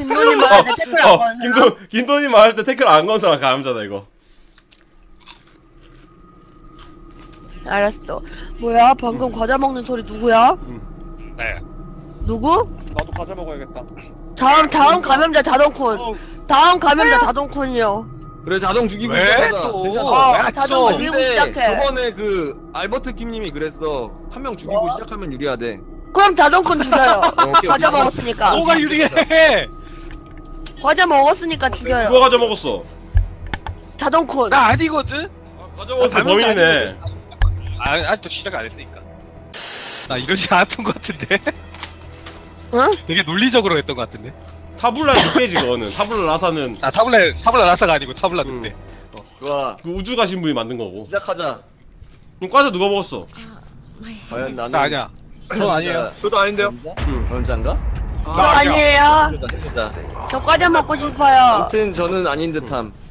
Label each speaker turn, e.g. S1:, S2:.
S1: 김돈이 말할 때 태클 안 거는 사람?
S2: 김돈이 말할 때 태클 안 건 사람 감자다 이거.
S1: 알았어. 뭐야? 방금 과자 먹는 소리 누구야?
S3: 나야.
S1: 누구?
S4: 나도 과자 먹어야겠다.
S1: 다음 감염자 자동쿤. 다음 감염자 자동쿤이요.
S5: 그래 자동 죽이고
S3: 왜
S5: 시작하자.
S3: 또?
S5: 괜찮아.
S3: 왜
S1: 자동
S3: 또?
S1: 죽이고
S5: 근데
S1: 시작해.
S5: 저번에 그 알버트 킴님이 그랬어. 한 명 죽이고 시작하면 유리하대.
S1: 그럼 자동쿤 죽여요.
S5: 오케이,
S1: 과자
S5: 오케이.
S1: 먹었으니까.
S3: 뭐가 유리해?
S1: 과자 먹었으니까 죽여요.
S2: 누가 가져 먹었어?
S1: 자동쿤.
S3: 나 아니거든.
S2: 가져 먹었어
S3: 잘못
S2: 범인이네.
S3: 아직도 시작 안 했으니까. 나 이러지 않았던 것 같은데.
S1: 응?
S3: 되게 논리적으로 했던 것 같은데.
S2: 타블라 늑대지 그거는. 타블라 라사는
S3: 아 타블라 라사가 아니고 타블라 늑대.
S5: 좋아.
S2: 그 우주 가신 분이 만든 거고.
S5: 시작하자.
S2: 그럼 과자 누가 먹었어?
S5: 과연 나는
S3: 나 아니야. 저 아니에요.
S4: 저도 아닌데요.
S5: 그런자인가?
S1: 저 아니에요.
S5: 진짜.
S1: 저 과자 먹고 싶어요.
S5: 아무튼 저는 아닌 듯함.